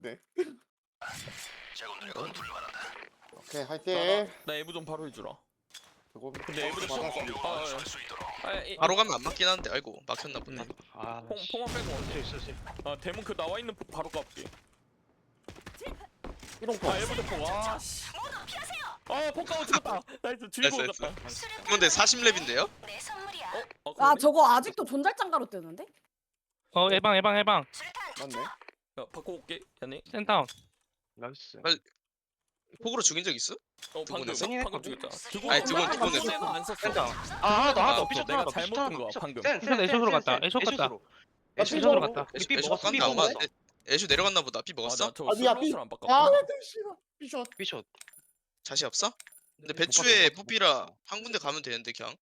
네. 제군들의 건투를 바란다. 오케이 화이팅. 나 에브 좀 바로 해주라. 그거 근데 에브를 받았어. 건설할 수 있도록. 바로 가면 안 맞긴 한데 아이고 막혔나 보네. 아, 퐁만 빼고 언제? 있어. 아 대문 그 나와 있는 폭 바로 깎게. 이동포. 아 에브도 폭. 아 씨. 아 폭가고 죽었다. 나이스 즐거워 나이스, 갔다. 근데 40렙인데요? 내 선물이야. 어? 아 저거 아직도 존잘장가로 뜨는데? 해방. 맞네. 야 바꿔올게. 야네. 센다운. 나이스. 폭으로 죽인 적 있어? 방금 했어? 방금 죽였잖아. 아니, 두 번 했어. 안 썼어. 센다운. 아, 나도 삐쳤 내가 하나 잘못 본 거야 방금. 센 애쇼로 갔다. 애쇼 갔다. 애쇼 애쇼로 갔다. 애쇼 먹었어. 간다 아마. 애쇼 내려갔나 보다. 피 먹었어? 아나저 아, 미안, 슬롯을 안 바꿨어. 아, 싫어. 삐숏. 삐숏. 자시 없어? 근데 배추에 뽀삐라 한 군데 가면 되는데 그냥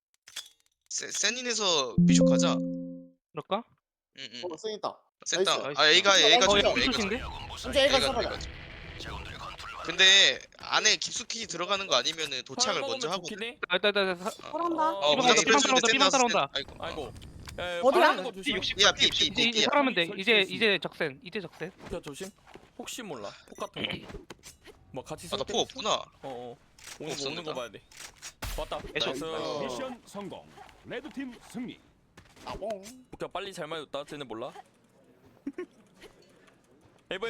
센인에서 비숍 가자. 그럴까? 응응. 생 있다. 센다. 나이스. 아 A가 어, 좀 야, A가 삐숏인데? 이제 애가 A가 살아라. A가 좀. 제군들의 건투를 바란다. 근데 안에 깊숙이 들어가는 거 아니면은 도착을 먼저 하고. 일단 그런다. 어, 삐방 근데 따라온다, 삐방 따라온다. 아이고. 아이고. 어디야? 하는 거 조심. 60. 야 B. 이제 살아면 돼. 이제 적센. 야 조심. 혹시 몰라. 폭 같은 거. 뭐 같이 아나 쏠 때. 포 없구나. 오는 거 없었는데. 오는 거 봐야 돼. 왔다. 애쇼. 나이스. 미션 성공. 레드팀 승리. 나봉. 그냥 빨리 잘 맞았다. 쟤네 몰라. 에버.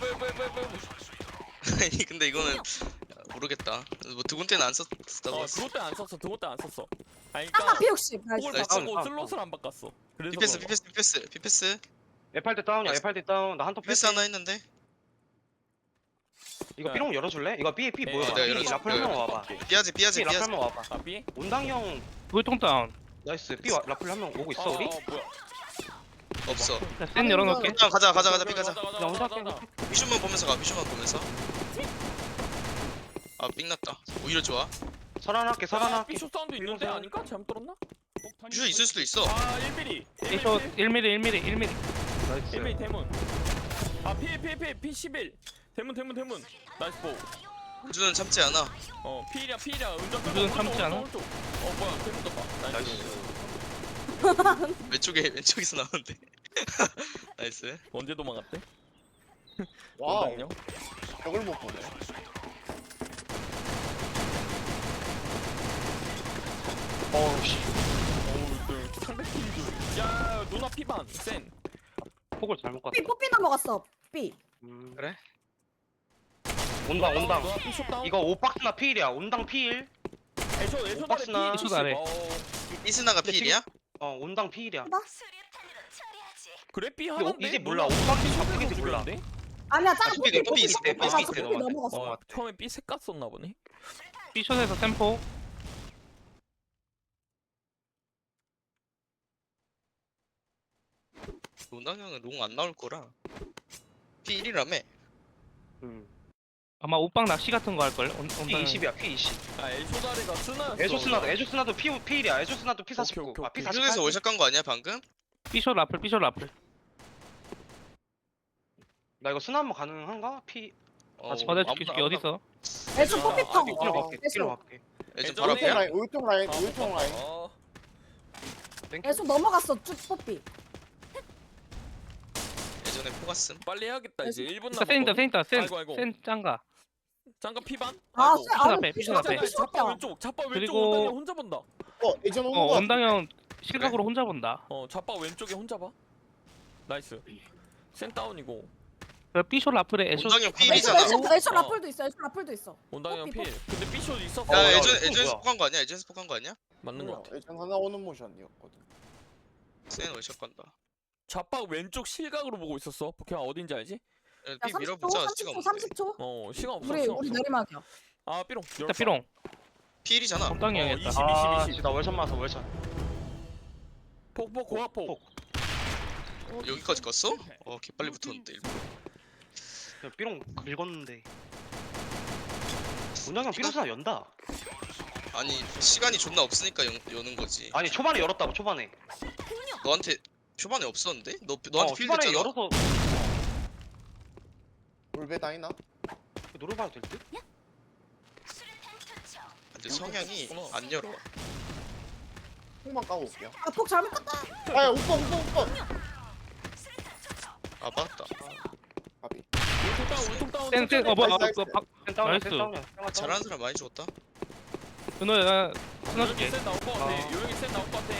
아니 근데 이거는 모르겠다. 뭐 두군 때는 안 썼다고. 그것 때안 썼어. 그것 때안 썼어. 아니 아 그러니까 P60 폭을 나이스. 바꾸고 슬롯을 안 바꿨어. 그래서 비패스. 에팔 다운이야. 에팔 다운. 나 한톱 비패스 하나 했는데. 이거 삐롱 열어줄래? 이거 B 뭐야? 내가 B 열어줄게. 라플 한명 와봐. 삐아지. B 라플 한명 와봐. 아 삐? 온당 형. 물통 다운. 나이스. B 라플 한명 오고 있어 우리? 뭐야? 없어. 센 열어놓을게. 그냥 가자 삐 가자. 나 혼자 할게. 비숍만 보면서 가. 비숍만 보면서. 아 삥났다. 오히려 좋아. 살아날게. 삐쇼 사운드 있는데 아닌가? 잘못 들었나? 비숍 있을 수도 있어. 아 1mm. 애쇼 1mm. 나이스. 1mm 대문. 아 P11. 대문. 나이스 보. 우주는 참지 않아. P이랴. 운전 우주는 참지 않아? 오른쪽. 뭐야? 대문 떴다. 나이스. 왼쪽에서 나오는데. 나이스. 언제 도망갔대? 와우. 원당요? 벽을 못 보네. 어우씨. 상대 팀 줄. 야 누나 피반. 센. 폭을 잘못 갔다. B 뽀삐 넘어갔어. B. 그래? 온당. 누나 삐쇼 다운. 이거 5박스나 필이야. 온당 필. 애쇼 박스나. 애쇼 아래. 이스나가 근데 필이야? 온당 필이야. 수류탄으로 처리하지. 그래 삐 근데 하는데. 이제 몰라. 5박스 바꾸겠지 몰라. 아니야 짱 삐 뽀삐 삐 있을 때, 삐 있을 때 뽀삐 넘어갔어. 처음에 삐 색깔 썼나 보네. B숏에서 템포. 운당형은 롱 안 나올 거라. P1이라며. 아마 옷방 낚시 같은 거 할 걸. P20이야. P20. 아 애쇼다리가 쓰나? 에조스나도 P1이야. 에조스나도 P49. 오케이. 아 P48. 그중에서 월샷 간 거 아니야 방금? B숏 라플. 나 이거 스나 한번 가능한가? P. 내가 줄게. 어디 있어? 애초 뽀삐 펑. 뒤로 갈게. 뒤로 애초. 갈게. 예전 예전에- 바로 오른쪽 앞이야? 라인. 오른쪽 라인. 오른쪽 라인. 애초 넘어갔어 쭉 뽀삐. 예전에 포갔음. 빨리 해야겠다 이제 1분 센 남았거든. 있다. 아이고. 센 짱가. 잠깐 피반. 아 아이고. 쎄. 아 앞에, 피셔 앞에. 자빠 왼쪽. 자빠 왼쪽 그리고- 온당이 혼자 본다. 예전 오는 거. 원당형 실각으로 혼자 본다. 자빠 왼쪽에 혼자 봐. 나이스. 센 다운이고. B숏 라플에 애쇼. 운당형 애초 P1이잖아. 애초 라플도 있어. 애초 라플도 있어. 온당이 형 뽀삐, 필. 근데 삐쇼 있었어. 야 야, 예전에서 이거 뭐야? 폭한 거 아니야? 예전에서 폭한 거 아니야? 맞는 거 같아. 예전 하나 오는 모션이었거든. 센 월샷 간다. 자빠 왼쪽 실각으로 보고 있었어. 포켓몬 어딘지 알지? 야, 야 P 30초 밀어보자. 시간 30초 없는데. 30초. 시간 없어. 우리 시간 우리 없어. 내리막이야. 아 삐롱. 자 B롱. P1이잖아. 원당이 형이었다. 20. 아, 나 월샷 맞아 월샷. 폭 고아폭. 여기까지 갔어? 개빨리 붙었는데. 야, B롱 긁었는데. 원당형 B롱 스나 연다. 아니 시간이 존나 없으니까 여는 거지. 아니 초반에 열었다고 초반에. 너한테 초반에 없었는데? 너한테 필드 초반에 했잖아. 열어서 울베 다이나? 노려봐도 될 듯? 근데 성향이 안 열어. 폭만 까고 올게요. 아 폭 잘못 갔다. 아, 오빠. 아 맞다. 가비. 울통 다운. 땡땡 뭐야 나이스, 그 박. 센 다운이야 나이스. 센 다운이야. 잘하는 사람 많이 죽었다. 은호야 스나 요영이 줄게. 센 나올 것 같아. 어. 요영이 센 나올 것 같아.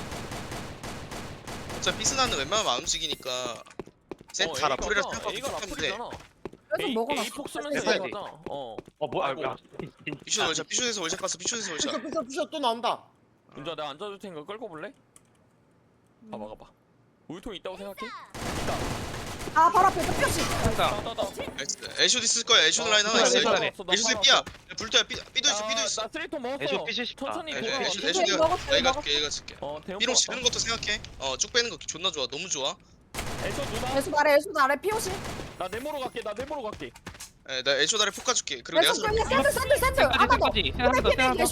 어차피 피스나는 웬만하면 안 움직이니까 센다 라플이라 생각하고 A가 하는데 라플이잖아. 그래서 먹어놨어. A 폭 쓰면서 됐어. A 가자. 어. 뭐야? 아이고. 야. 피쇼 월샷 피쇼에서 월샷 갔어 피쇼에서 월샷. 피셔 또 나온다. 은주야 내가 앉아줄 테니까 끌고 볼래? 가봐 가봐. 우유통 있다고 생각해? 아 바로 앞에 또 뼈씨. 따따따. 애쇼 있을 거야 애쇼 라인 하나 있어. 애쇼 라인. 애쇼 삐야. 불도야 삐도 있어 삐도 있어. 나 쓰레기통 먹었어. 애쇼 삐시 싶다. 천천히 애쇼 돌아와. 애쇼 애쇼 애쇼 먹었어요, 내가 먹었어. 줄게 얘가 줄게. 대형 삐롱 뽑았다. 지르는 것도 생각해. 쭉 빼는 거 존나 좋아 너무 좋아. 애쇼 누나. 애수 아래 피오시. 나 네모로 갈게. 나 네모로 갈게. 나 애쇼 다리 폭 가줄게. 그리고 내가 애수 쏠게. 샌들. 하나 더. 까지 하나 더 하나 더.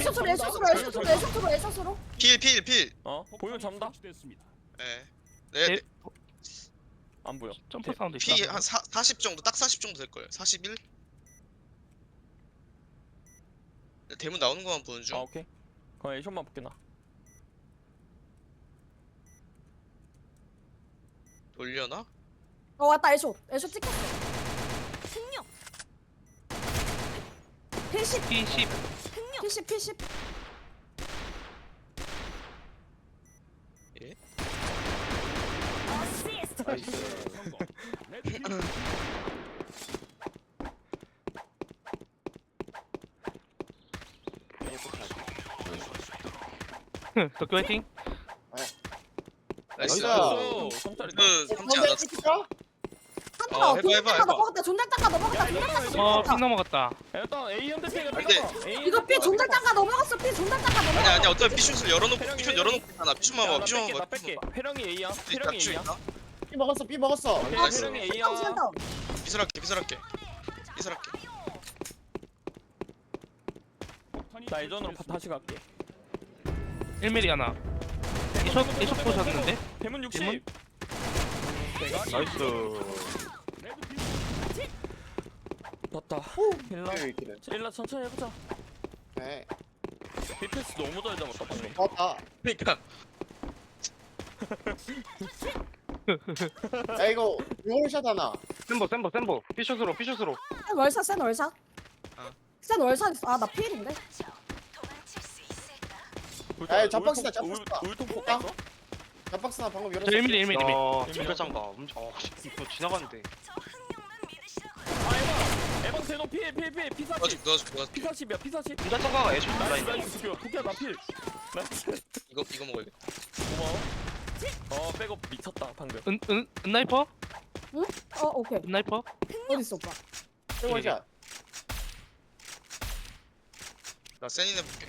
애수로. 필. 보이면 잡는다. 설치됐습니다. 네. 안 보여. 점프 사운드 있다. 피 한 40 정도 딱 40 정도 될 거예요. 41. 대문 나오는 것만 보는 중. 오케이. 그럼 애쇼만 볼게 나. 돌려나? 왔다 애쇼 찍혔어. 승용. P10 P10 P10. 어시스트. 성공. 레드팀 도쿄 화이팅. 나이스. 나이스. 성짜리. 그 삼지 않았어. 한타 해봐, 해봐. 넘어갔다. 존잘장가 넘어갔다. 피 넘어갔다. 일단 A 현대태가 근데 이거 삐 존잘장가 넘어갔어. 삐 존잘장가 넘어갔어. 아니 어차피 피슛을 열어놓고 피슛 열어놓고 하나 피슛만 봐 피슛만 나 봐. 뺄게. 회령이 A야. 있다 회령이 피슛 A야. 있다. 삐 먹었어. 오케이, 나이스. 회령이 A야. 비설할게. 폭탄이 나 예전으로 설치됐습니다. 다시 갈게. 1mm 하나. 이쇼 보셨는데? 대문 60. 대문? 대가리. 나이스. 레드팀 맞다. 일라. 일라 천천히 해보자. 네. BTS 너무 잘 잡았다 방금. 맞다. 그러니까 야 이거 월샷 하나. 센버. 피슛으로. 센 월샷. 아. 센 월샷 있어. 아나 피일인데. 도망칠 수 있을까? 야, 잡박스다, 잡박스다. 울통 폭 아. 갔어? 잡박스 나 방금 저 열었어. 1mm. 진짜장가. 이거 지나갔는데. 저 흥룡만 믿으시라고. 아 에방 대노 피해 P40. 도와줄게. P40이야 P40. 진짜장가가 애쇼 나이스 라인. 나이스 도쿄야 나 필. 나이스. 이거 먹어야겠다. 고마워. 백업 미쳤다 방금. 은나이퍼? 오케이. 은나이퍼? 어디 있어 오빠? 월샷. 나 센인 해볼게.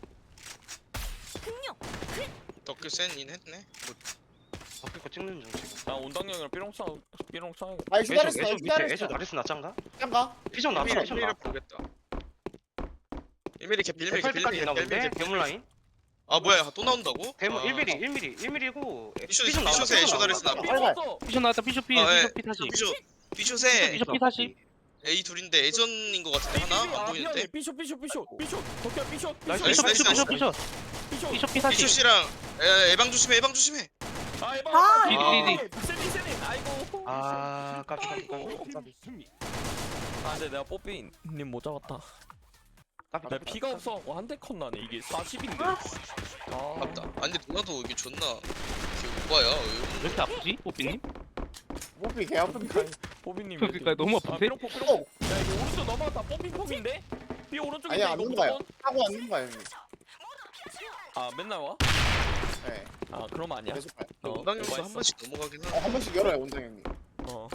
흥룡. 덕규 센인 했네. 바뀔 거 찍는 중 지금. 나 온당형이랑 삐롱 싸. 아 애쇼 기다렸어. 밑에 애쇼 기다렸어. 나리스 나짱가? 짱가. 피션 나왔다. 피션 필미를 나왔다. 보겠다. 1mm 캡 1mm 캡 1mm까지 있나 본데? 1mm 대문 라인? 아 뭐야 또 나온다고? 대문 아. 1mm고 피슛, 피션 나왔다. 피슛에 피션 애쇼 나왔다. 다리스 빨리 가. 피쇼 나왔다. 피쇼 피. 아, 예. 피쇼 피 다시. 피슛에 피쇼 피 다시. A 둘인데 예전인 것 같은데 하나 안 보이는데. 삐쇼. 도쿄야 삐쇼. 나이스, 피쇼 나이스, 피쇼 나이스. 피쇼. 피쇼 피 다시. 피슛이랑 예방 조심해. 아 에방. 아, 세니. 아이고. 아, 깜짝. 레드팀 승리. 아 근데 내가 뽀삐님 못 잡았다. 나 피가 없어. 한대 컷 나네 이게 40인데. 아 맞다. 아니 근데 누나도 이게 존나 이게 오바야. 왜 이렇게 아프지? 뽀삐님? 목비 개 아픈데. 뽀삐님. 그러니까 너무 아픈데? 삐롱. 야 이거 오른쪽 넘어갔다. 뽀삐인데? 삐 오른쪽인데 아니야, 안 이거 넘어가요. 무조건. 하고 왔는 거야 형님. 아 맨날 와? 네. 아 그럼 아니야. 계속 가요. 원당형도 뭐가 한 있어? 번씩 넘어가긴 하는데. 한 번씩 열어요 원장 형님. 어.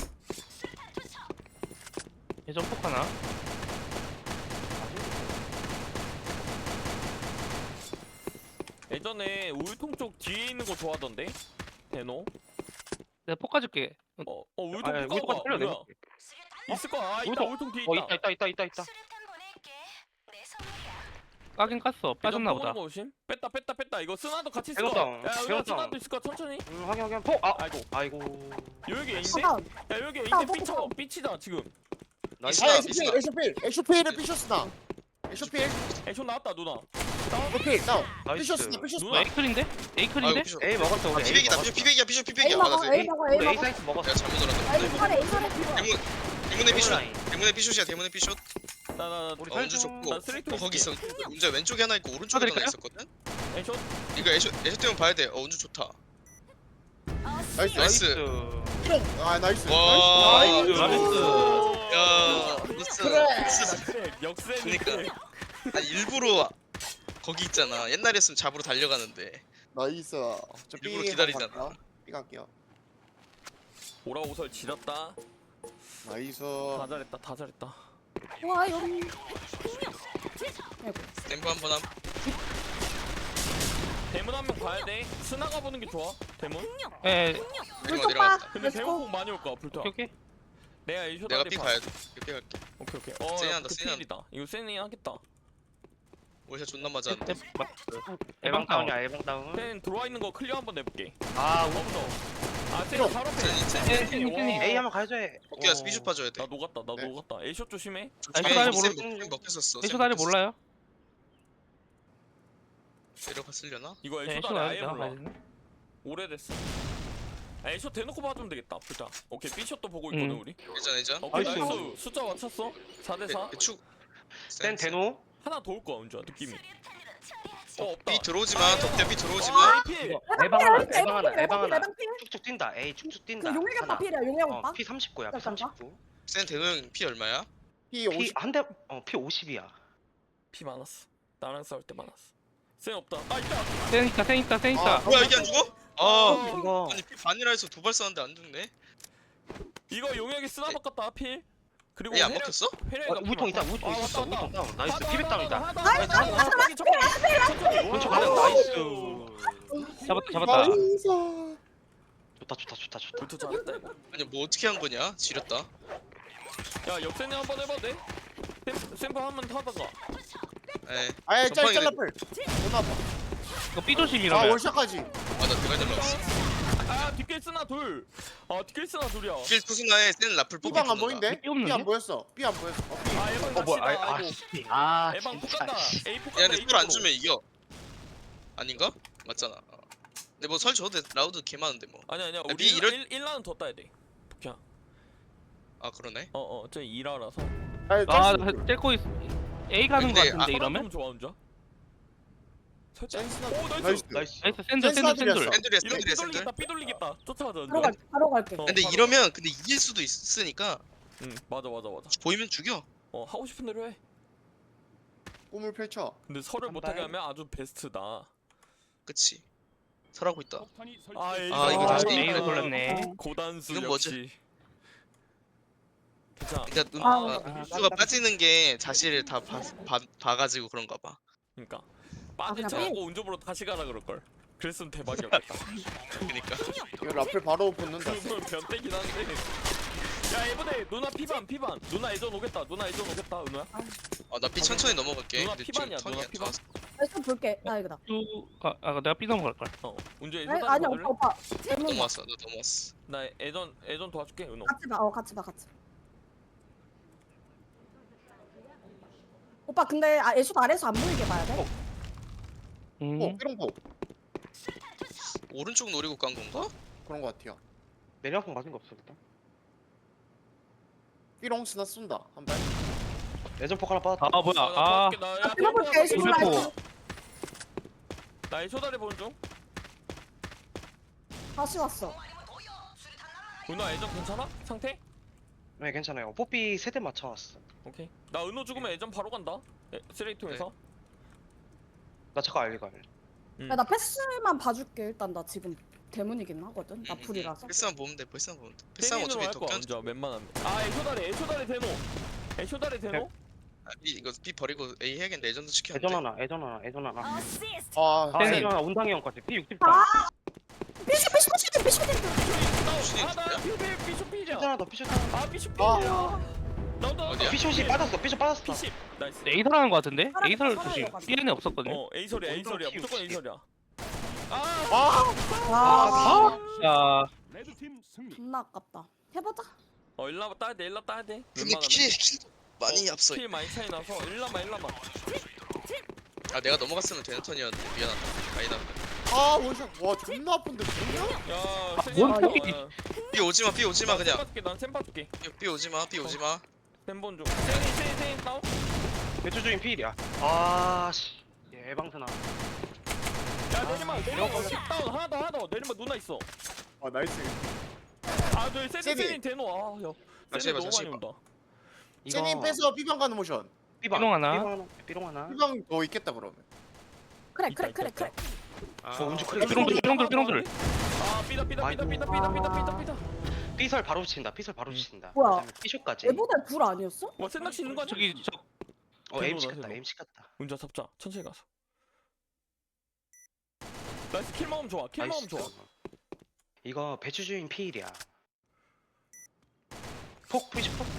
예전 폭 하나. 예전에 우유통 쪽 뒤에 있는 거 좋아하던데? 대노? 내가 폭 가줄게. 우유통 아, 거 우유통 끌려 뭐야? 있을 거야. 아 있다 우유통. 우유통 뒤에 있다. 있다. 수류탄 보낼게. 내 선물이야. 까긴 깠어. 빠졌나 보다. 오심? 뺐다. 이거 쓰나도 같이 있을 배웠다. 거야. 야 여기 배웠다. 쓰나도 있을 거야. 천천히. 확인. 폭. 아이고. 여기 A인데? 다운. 야 여기 나 A인데 삐쳐. 삐치다 지금. 나이스. 아 비슷하다. 에쇼필을 피셔스나. 에쇼필. 애쇼 나왔다 누나. 에쇼필 다운. 나이스. 피셔스나 누나 피셔스나. 에이클인데? 에이클인데? 아이고 피슛. A 먹었어. 우리 A 피백이다. 먹었어. 피백이야. A 피백이야. 먹어. 맞아. A 먹어. A 우리 A 먹어. 사이트 먹었어. 내가 잘못 A 알았는데. 팔에 A 팔에 대문 대문의 피숏. 라인. 대문의 피숏이야. 대문의 피숏. 나나 우리 운주 설정- 좋고. 나 쓰레기통 거기 있어. 있을게. 운주 왼쪽에 하나 있고 오른쪽에 하나 쳐드릴까요? 있었거든. 에이쇼 이거 애쇼 때문에 봐야 돼. 운주 좋다. 나이스. 나이스. 삐롱. 아 나이스. 와. 나이스. 야. 무슨. 그래. 역세 그니까. 아니 일부러 거기 있잖아. 옛날이었으면 잡으러 달려가는데. 나이스. 저 일부러 삐 기다리잖아. 갈게요. 삐 갈게요. 오라오설 지렸다. 나이스. 다 잘했다. 다 잘했다. 와 여기. 댐프 한번 함. 대문 한 명 봐야 돼. 스나가 보는 게 좋아. 대문. 예, 내가 내려갔다. 근데 렛츠고. 대문 공 많이 올 거야. 불타. 오케이, 오케이. 내가 에이쇼 내가 다리 삐 봐. 가야 돼. 삐 갈게. 오케이 오케이. 세니 야, 한다, 그 세니 필이다. 이거 세니 하겠다. 월샷 존나 맞았는데. 에방 다운이야 에방 다운. 센 들어와 있는 거 클리어 한번 내볼게. 아 없어. 아, 센 필요. 바로 앞에. 세니. 세니. 와. A 한번 가야죠. 해. 어깨 가서 삐쇼 빠져야 돼. 나 녹았다. 나 네. 녹았다. 에이쇼 조심해. 아니, 사다리 먹혔었어. 에이쇼 다리 몰라요? 내려갔으려나? 이거 네, 에이쇼 에이쇼 다리 다리 아예 내가 몰라. 가야 되네. 오래됐어. 아, 에이쇼 대놓고 봐주면 되겠다. 불타. 오케이 삐쇼도 보고 있거든 우리. 예전. 오케이 나이스. 나이스. 숫자 맞췄어. 4대4. 배축. 센 대노. 하나 더 올 거야 은주야 느낌이. 없다. 삐 들어오지 마. 덕대 삐 들어오지 아, 마. 필. 에방 하나 에방 하나 에방 하나. 에방 필. 쭉쭉 뛴다. A 쭉쭉 그 뛴다. 용역 오빠 하나. 필이야 용역 오빠. P 39야. P 잠깐만. 39. 센 대응 피 얼마야? 삐 50. P 한 대. P 50이야. 피 많았어. 나랑 싸울 때 많았어. 센 없다. 아 있다. 센 있다, 센 있다, 센 있다. 뭐야 이게 안 죽어? 아. 이거 아니 피 반이라 해서 두 발 쐈는데 안 죽네. 이거 용역이 쓰나 바꿨다 필. 그리고 얘 안 먹혔어? 우통 있다. 우통 있어. 우통 다운. 나이스. 피백 다운이다. 나이스. 왼쪽 하나 나이스. 잡았다, 잡았다. 좋다 좋다 좋다 좋다. 불투 잘했다 이거. 아니 뭐 어떻게 한 거냐? 지렸다. 야 역세네 한번 해봐도 돼? 샘플 한번 타다가. 에. 아예 전방에 짤짤라플. 존나 아파. 이거 아 삐조심이라면. 월샷까지. 아나 대가리 날라갔어. 아 뒷길 쓰나 둘. 아 뒷길 쓰나 둘이야. 길 투수나에 센 라플 뽑기 삐방 안 붙는다. 보인대? 삐 없는데? 삐 안 보였어. 삐 안 보였어. 삐. 아 에방 어 뭐야? 낚시다. 아 아이고. 씨. 아 에방 폭 진짜. 간다. A 폭 야 간다. 근데 꿀안 주면 이겨. 아닌가? 맞잖아. 근데 뭐 설 줘도 돼. 라우드 개 많은데 뭐. 아니 아니야. 비 우리 이럴- 1라는 더 따야 돼. 그냥. 아 그러네. 저 2라라서. 아, 아 나 뗄거 있. A 가는 거 근데, 같은데 이러면? 좋아 운자. 살짝. 센스나. 오 나이스. 나이스. 나이스. 나이스, 샌들, 샌들, 샌들. 센스나들이었어. 샌들이야 이거 샌들이야 샌들. 삐돌리겠다. 삐돌리겠다. 쫓아가자. 바로 갈 바로 갈게. 어. 근데 이러면 근데 이길 수도 있으니까 응 맞아. 보이면 죽여. 하고 싶은 대로 해. 꿈을 펼쳐. 근데 설을 한 못하게 발. 하면 아주 베스트다. 그치. 설하고 있다. 폭탄이 아 설치됐습니다. 이거 다시 A로 돌렸네. 고단수 이건 뭐지? 역시. 괜찮아. 그러니까 수가 빠지는 게 자신을 다 봐가지고 그런가 봐. 그러니까 빠진 그냥 척하고 운전으로 다시 가라 그럴 걸. 그랬으면 대박이었겠다. 그러니까. 이거 라플 바로 붙는다. 그건 변태긴 한데. 야 이번에 누나 피반. 누나 예전 오겠다. 은호야. 나 피 천천히 넘어갈게. 누나 근데 피반이야, 지금 턴이 누나 안 피반. 좋아서. 좀 볼게. 나 이거다. 내가 삐 넘어갈 걸. 운전 아니 예전 아니 받을래? 오빠 오빠. 나 넘어왔어. 나 넘어왔어. 나 예전 도와줄게 은호. 같이 봐. 같이 봐. 오빠 근데 애쇼 아래서 안 보이게 봐야 돼. 삐롱포. 오른쪽 노리고 간 건가? 그런 거 같아요. 내려폰 맞은 거 없어 일단. 삐롱 스나 쏜다. 한 발. 예전 하나 빠졌다. 아, 뭐야. 아, 아 들어볼게. 애쇼 몰라. 이거 나 예초다리 보는 중. 다시 왔어. 은호 예전 괜찮아? 상태? 네 괜찮아요. 뽀삐 세대 맞춰왔어. 오케이. 나 은호 죽으면 예전 바로 간다. 쓰레기통에서. 나 잠깐 알리고 알리. 야, 나 패스만 봐줄게. 일단 나 지금 대문이긴 하거든. 나 불이라서. 패스만 보면 돼. 패스만 보면 돼. 패스만 땡기는 어차피 할 거야 덕견. 먼저 웬만하면. 아 예초다리 대노. 예초다리 대노? 이거 B 버리고 A 해야겠네. 예전도 지켜. 애전 하나. 어시스트. 아. 네. 애전 하나 운당이 형까지. P 60. 피쇼. 아나 비쇼필이야. 피자 하나 더 피자 하나. 아 비쇼필이야. 나도 어디야? 피숏이 빠졌어. 피숏 빠졌어. P10 나이스. A설 하는 거 같은데? 사람, A설 사람이 조심. 와가지고. B에는 없었거든요. A설이야 운동 무조건 키우기. A설이야. 와 야, 레드팀 승리. 존나 아깝다. 해보자. 일라마 따야 돼. 근데 웬만하면. 킬 많이 앞서. 킬 많이 차이 나서 일라마. 아 내가 넘어갔으면 되는 턴이었는데 미안하다. 많이 나왔다. 아 원샷. 와 존나 아픈데 뭐냐? 야 뭔 야, 폭이- 야. B 오지마 B 오지마 그냥. 난샘 봐줄게. B 오지마 B 오지마. 샘본 중. 세인 다운. 배추 주인 필이야. 아씨. 예방스나. 야 내리막 다운 하나 더 내리막 누나 있어. 아 나이스. 아저 세인 대노 아야 다시 세인 해봐, 너무 다시 많이 해봐. 온다. 제니 빼서 B방 가는 모션. 삐방 하나. 삐롱 하나. B방 더 있겠다 그러면. 그래 있다, 그래 그래 있다, 그래. 어 운주 삐롱들 삐롱들. 아 삐다. 삐설 바로 붙인다. 삐설 바로 붙인다. 뭐야? 그다음에 삐쇼까지. 얘보다 불 아니었어? 와 센낚시 있는 거 아니야? 저기 저 에임 대노다, 시켰다. 대노. 에임 시켰다. 운전 삽자 천천히 가서. 나이스 킬 먹으면 좋아. 킬 먹으면 좋아. 이거 배추 주인 필이야. 폭 푸시 폭.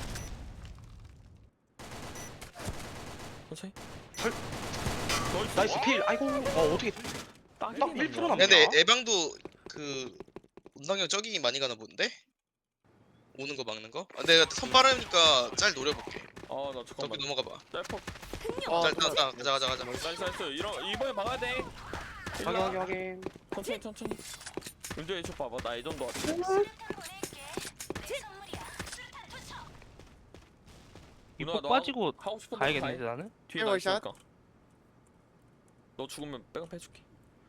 천천히. 설- 나이스 필. 아이고. 어떻게 딱 1% 남았네. 근데 예방도 그 운동형 저기 많이 가나 본데? 오는 거 막는 거? 아, 내가 선 빠르니까 짤 노려볼게. 아나 저기 잠깐만. 넘어가 봐. 짤퍼. 아, 짤 가자. 나이스. 이번에 막아야 돼. 확인. 천천히. 운전 애초 봐봐. 나 예전도 왔지. 누나, 이폭 너 빠지고 하고 싶은 대로 다 가야겠는데 해. 나는. 뒤에 나 헤어샷? 있으니까. 너 죽으면 백업 해줄게.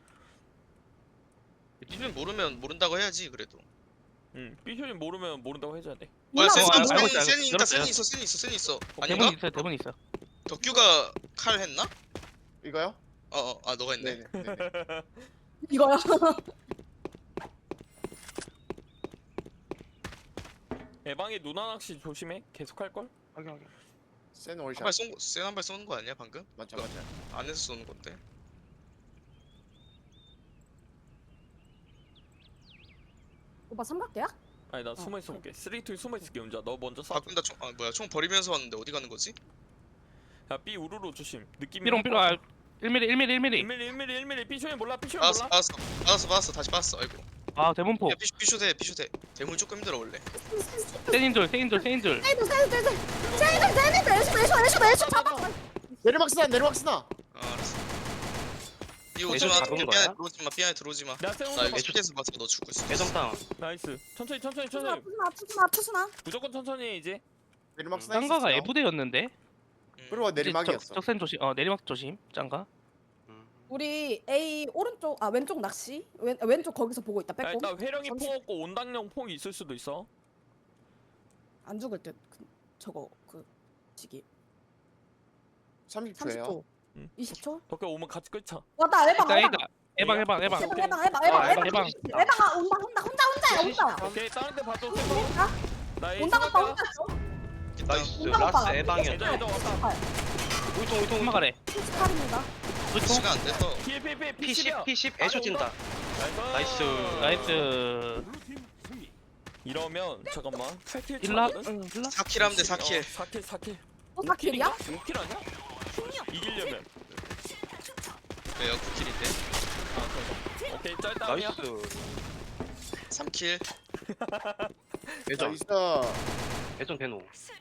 B는 모르면 모른다고 해야지 그래도. 응. 삐쇼님 모르면 모른다고 해줘야 돼. 뭐야 누나, 알고 있어, 알고 있어. 센이 있다. 열었어요. 센이 있어. 아닌가? 대본 있어요. 대본 있어. 덕규가 칼 했나? 이거요? 아 너가 했네. 네네. 이거야. 예방이 누나 낚시 조심해. 계속 할 걸. 확인. 센 월샷. 센한발 쏘는 거 아니야 방금? 맞아. 안에서 쏘는 건데. 오빠 삼각대야? 아니 나 숨어 있어 볼게. 쓰레기통에 숨어 있을게 혼자. 너 먼저 쏴. 바꾼다 총. 아 뭐야 총 버리면서 왔는데 어디 가는 거지? 야 B 우르르 조심. 느낌이. 삐롱 1mm. 1mm 삐쇼님 몰라. 삐쇼님 받았어 몰라. 받았어 다시 받았어. 아이고. 아 대본폭. 야 피쇼대. 대문 조금 힘들어 원래. 세인돌. 세이드 애쇼 잡아. 내리막 쓰나. 아 알았어. 이 애전 오지마. 잡은 삐안에 거야? 들어오지마. 삐안에 들어오지마. 내가 세운 나 거 이거 봤어. HP에서 봤어. 너 죽을 수 있어. 애정 다운. 나이스. 천천히. 투수나. 무조건 천천히 해, 이제. 내리막 쓰나. 짱가가 있었어요. 에부대였는데. 그리고 내리막이었어. 적센 조심. 내리막 조심. 짱가. 우리 A 오른쪽 왼쪽 낚시. 왼쪽 거기서 보고 있다. 야, 빼꼼. 일단 회령이 잠시- 폭 없고 온당령 폭이 있을 수도 있어. 안 죽을 듯. 저거 그 시기. 30초예요. 30초. 응. 20초. 덕에 오면 같이 끌자. 왔다. 일단 에방. 에방. 에방 에방. 혼자야. 오케이 다른 데 봐도 온다. 나 온다 갔다 온다. 나이스. 온다 라스 갔다. 에방이었다. 예전 왔다. 울통. 엄마가래. 28입니다. 시간 안 돼서. PFP P10 P10 애쇼 찐다. 나이스. 나이스. 블루팀 승리. 이러면 잠깐만 8킬 일라. 차거든? 4킬 하면 돼 4킬. 4킬 또 4킬이야? 5킬 아니야? 이기려면 왜요 9킬인데? 아 잠깐 오케이 짤다운이야 나이스. 3킬. 애정. 나이스. 애정 대노.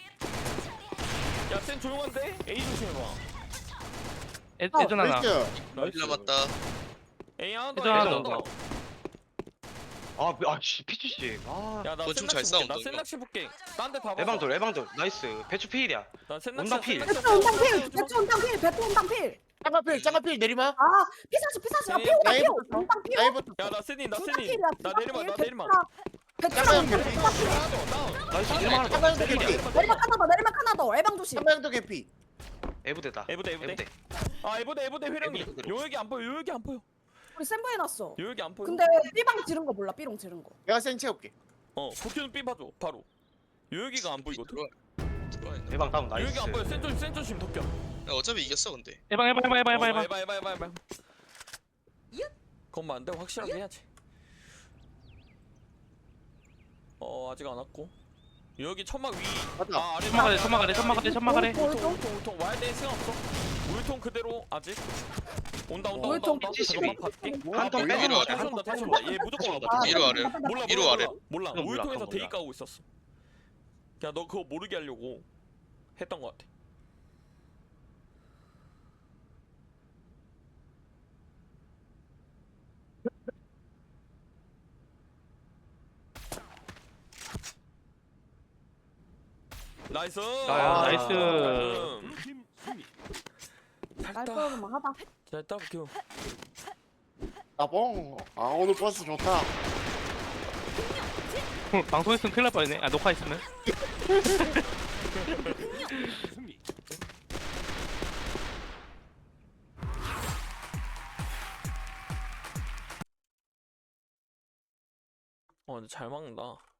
야센 조용한데? A 조심해봐 애전 하나. 나이스. 1 남았다. A 하나 예전 하나 더 더. 씨 피치씨. 야나 건축 센낚시 볼게 잘 싸운다, 나 이거. 센낚시 볼게 딴 데 봐봐 에방돌. 나이스. 배추 필이야. 나 센낚시 온당 필. 배트 온당 필. 짱가필 내리막. 아, 피사시. 네, 온당 필. 나이부터. 야나 센이 나 온당 센이 필이야. 나 내리막 배트랑 짱가형 나이스. 다운. 일만 짱가형도 개피. 내리막 하나 더. 에방 조심. 짱가형도 개피. 에부대다. 에부대 아 에부대 회령이 에부대. 요역이 안 보여 우리 센부 해놨어. 요역이 안 보여 근데 B방 지른 거 몰라. B롱 지른 거. 내가 센 채울게. 도쿄는 B 봐줘 바로 요역이가 안 보이거든 들어와 있나? 에방 다운 나이스. 요역이 안 보여 센 조심 도쿄 야, 어차피 이겼어 근데. 에방. 해봐 건만 안돼 확실하게 해야지 아직 안 왔고 여기 천막 위 맞다. 아래 천막아래. 우통 와야 돼 생각 없어 우유통 그대로 아직 온다 우유통 잠깐만 봐줄게 한통 빼고 위로 아래. 다시 온다 얘 무조건 다시 온다 온다. 위로 아래. 몰라 위로 아래. 몰라 그건 몰라, 우유통에서 그건 대기 몰라. 까고 있었어 그냥 너 그거 모르게 하려고 했던 거 같아 나이스. 나이스. 블루팀 승리. 깔끔만 하다. 잘했다 뷰. 나봉. 아 오늘 버스 좋다. 방송했으면 큰일 날 뻔했네. 아 녹화했으면. 승리. 근데 잘 막는다.